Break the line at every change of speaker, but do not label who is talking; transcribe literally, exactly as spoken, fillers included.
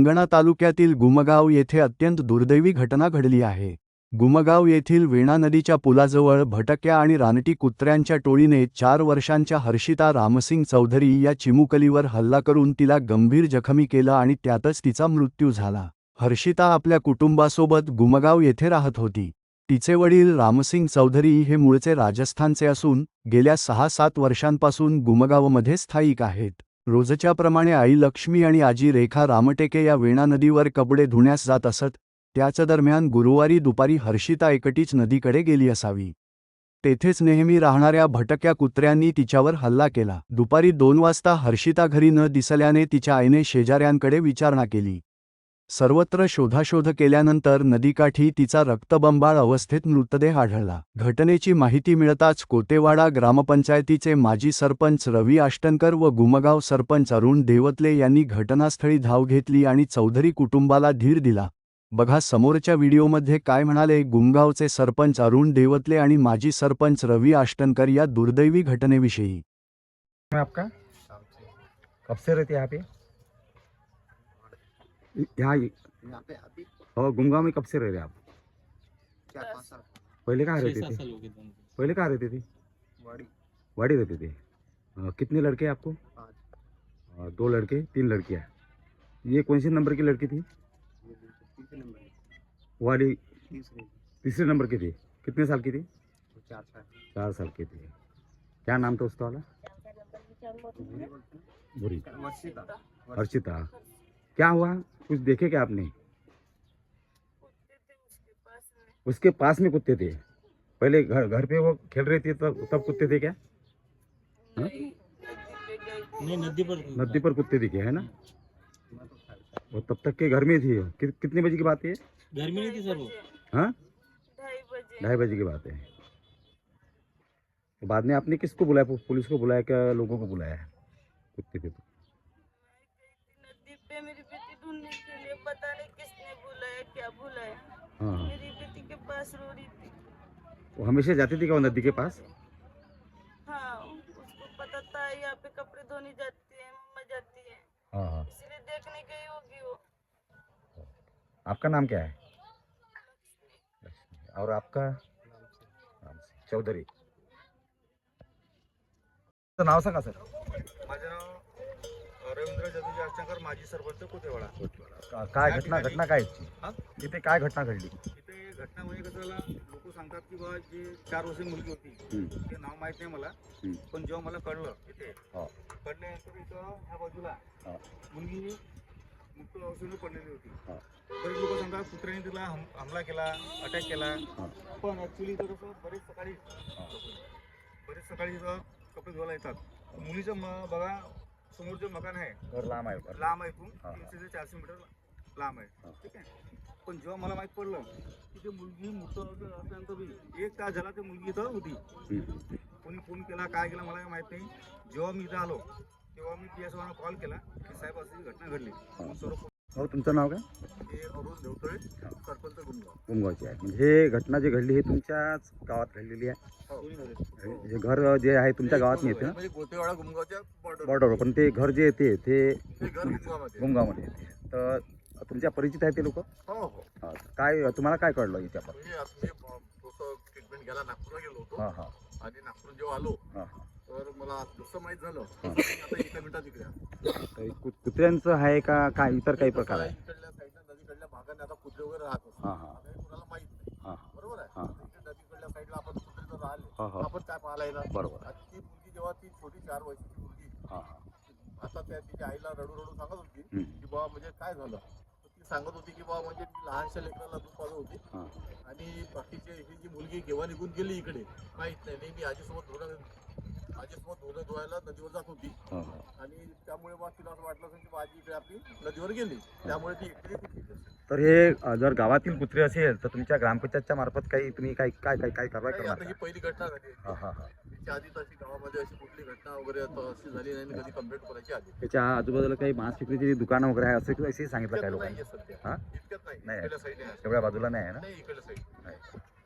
हिंगणा तालुक्यातील गुमगाव येथे अत्यंत दुर्दैवी घटना घडली आहे। गुमगाव येथील वेणा नदीच्या पुलाजवळ भटक्या आणि रानटी कुत्र्यांच्या टोळीने चार वर्षांच्या हर्षिता रामसिंग चौधरी या चिमुकलीवर हल्ला करून तिला गंभीर जखमी केलं आणि त्यातच तिचा मृत्यू झाला। हर्षिता आपल्या कुटुंबासोबत गुमगाव येथे राहत होती। तिचे वडील रामसिंग चौधरी हे मूळचे राजस्थानचे असून गेल्या सहा सात वर्षांपासून गुमगावमध्ये स्थायिक आहेत। रोजच्या प्रमाणे आई लक्ष्मी आणि आजी रेखा रामटेके या वेणा नदीवर कपडे धुण्यास जात असत। त्याच दरम्यान गुरुवारी दुपारी हर्षिता एकटीच नदीकडे गेली असावी। तेथेच नेहमी राहणाऱ्या भटक्या कुत्र्यांनी तिच्यावर हल्ला केला। दुपारी दोन वाजता हर्षिता घरी न दिसल्याने तिच्या आईने शेजाऱ्यांकडे विचारणा केली। सर्वत्र शोधाशोध केल्यानंतर नदीकाठी तिचा रक्तबंबाळ अवस्थेत मृतदेह आढळला। घटनेची माहिती मिळताच कोतेवाडा ग्रामपंचायतीचे माजी सरपंच रवी आष्टनकर व गुमगाव सरपंच अरुण देवतले यांनी घटनास्थळी धाव घेतली आणि चौधरी कुटुंबाला धीर दिला। बघा समोरच्या व्हिडिओमध्ये काय म्हणाले गुमगावचे सरपंच अरुण देवतले आणि माजी सरपंच रवी आष्टनकर या दुर्दैवी घटनेविषयी।
आपका कब से रहते यहाँ पे? यहाँ
यहाँ पे अभी
और गुमगांव में कब से रह रहे आप?
चार पाँच साल
पहले कहाँ रहते
छह सात
थे?
साल हो गए दोनों को।
पहले कहाँ रहते थे?
वाड़ी
वाड़ी रहते थे। अ, कितने लड़के हैं आपको?
पाँच
अ, दो लड़के तीन लड़कियाँ। ये कौन सी नंबर की लड़की थी?
ये तीसरे नंबर की
वाली
तीसरे
तीसरे नंबर की थी। कितने साल की थी?
वो चार साल
चार साल की थी। क्या नाम था उसका वाला? बुरी
वर्षिता
हर्षिता। क्या हुआ, कुछ देखे क्या आपने? उसके पास में कुत्ते थे। पहले घर घर पे वो खेल रहे थे तब तब कुत्ते थे क्या? हाँ?
नहीं नदी पर
नदी पर कुत्ते दिखे है ना?
मैं तो खाया
वो तब तक के घर में थी। कि, कितने बजे की बात है?
घर में नहीं थी सर वो।
हाँ,
ढाई बजे
ढाई बजे की बात है। तो बाद में आपने किसको बुलाया? पु- पुलिस को बुलाया क्या लोगों को बुलाया? कुत्ते थे तो
नदी पे मेरी बेटी ढूंढने के लिए, पता नहीं किसने बुलाया क्या बुलाया।
हाँ हाँ।
मेरी बेटी के पास रो रही थी।
वो हमेशा जाती थी क्या वो नदी के पास?
हाँ उसको पता था यहाँ पे कपड़े धोने जाती है, मम्मा जाती है,
हाँ हाँ।
इसलिए देखने गई होगी वो।
आपका नाम क्या है? लक्ष्मी। और आपका? राम सिंह चौधरी। तो नाव सांगा सर।
माझं नाव रवींद्र जदुजी आष्टनकर, माजी सरपंच कोतेवाडा।
का- काय घटना घटना काय याची?
हा?
इथे काय घटना घडली?
इथे घटना म्हणजे कसं झालं, लोक सांगतात की बा जे चार वर्षाची मुलगी होती
हम्म,
ते नाव माहित नाही मला,
हम्म,
पण जेव्हा मला कळलं इथे
हा,
कळल्यानंतर इथं ह्या बाजूला
हा,
मुलगी मुक्त अवस्थेने पडलेली होती।
हा,
बरेच लोक सांगतात कुत्र्याने तिला हम हमला केला, अटॅक केला,
हा,
पण ॲक्च्युली इथं कसं बरेच सकाळी
हा.
बरेच सकाळी इथं कपडे धुवायला येतात। मुलीचं म बघा समोरचं मकान आहे,
घर लांब आहे बरं.
लांब आहे, इथून
हा, हा.
तीनशे ते चारशे मीटर लांब
हा.
आहे, ठीक आहे। पण जेव्हा मला माहीत पडलं की ते मुलगी मृत असल्यानंतर बी एक तास झाला ते मुलगी इथं होती।
हम्म,
कोणी फोन केला काय केला मला काही माहीत नाही। जेव्हा मी इथं आलो तेव्हा मी पी एस ओना कॉल केला की साहेब अशी घटना घडली।
हा.
मग सर्व
हो तुमचं नाव काय?
हे अरुण देवतळे, सरपंच गुमगाव।
गुमगावची आहे म्हणजे हे घटना जी घडली हे तुमच्याच गावात घडलेली आहे?
हो.
हे घर जे आहे तुमच्या गावात नाही येते ना?
म्हणजे कोतेवाडा गुमगावच्या बॉर्डर
बॉर्डरवर, पण ते घर जे येते ते
हे घर गुमगावमध्ये।
गुमगावमध्ये येते। तर तुमच्या परिचित आहे ते लोक?
हो हो।
काय तुम्हाला काय कळलं याच्यावर?
म्हणजे आता मी थोडंसं ट्रीटमेंट घ्यायला नागपूरला गेलो होतो
हां हां
आणि नागपूर जेव्हा आलो
हां
तर मला जसं माहीत झालं तसं मी आता एका मिनिटात इकडे आलो।
हां कु- कुत्र्यांचं आहे का काय इतर काही प्रकार आहे?
इकडल्या साईडला नदीकडल्या भागाने आता कुत्रे वगैरे राहत असतात।
हां हां
आता हे कुणाला माहित नाही,
हां
बरोबर आहे।
हां.
आता इकडे नदीकडल्या साईडला आपण कुत्रे जर राहिले
हां
तर
हां
आपण काय पाहायला येणार?
बरोबर.
आणि ती मुलगी जेव्हा ती छोटी चार वर्षाची मुलगी
हां हां
आता त्या तिच्या आईला रडू रडू सांगत होती
हम्म.
की बा म्हणजे काय झालं, तर ती सांगत होती की बा म्हणजे ती लहानशा लेकराला दूध पाजत होती
हां
आणि बाकीचे ही जी मुलगी केव्हा निघून गेली इकडे माहित नाही। नेहमी आजीसोबत धुणं आजीसोबत धुणं धुवायला नदीवर जात होती
हां हां.
आणि त्यामुळे बा तिला असं वाटलं असेल की बा आजी इकडे आपली नदीवर गेली, त्यामुळे ती एकटी कुठली असेल।
तर हे अ, जर गावातील कुत्रे असेल तर तुमच्या ग्रामपंचायतच्या मार्फत काही तुम्ही काय काय काय काय कारवाई
नाही,
करणार
आता ही
का?
पहिली घटना झाली।
हां हां हां.
त्याच्या आधी तशी गावामध्ये अशी कुठली घटना वगैरे आता अशी झाली नाही आणि कधी कंप्लेंट करायची आधी
त्याच्या आजूबाजूला काही मांस विक्रीची दुकानं वगैरे आहे असं असेही सांगितलं काय
इतक्यात
लोकांनी?
नाहीये सध्या,
हां
इतक्यात नाही,
नाही.
इकडल्या साईडने आहे.
एवढ्या बाजूला नाही आहे ना?
नाही इकडल्या साईड
नाही.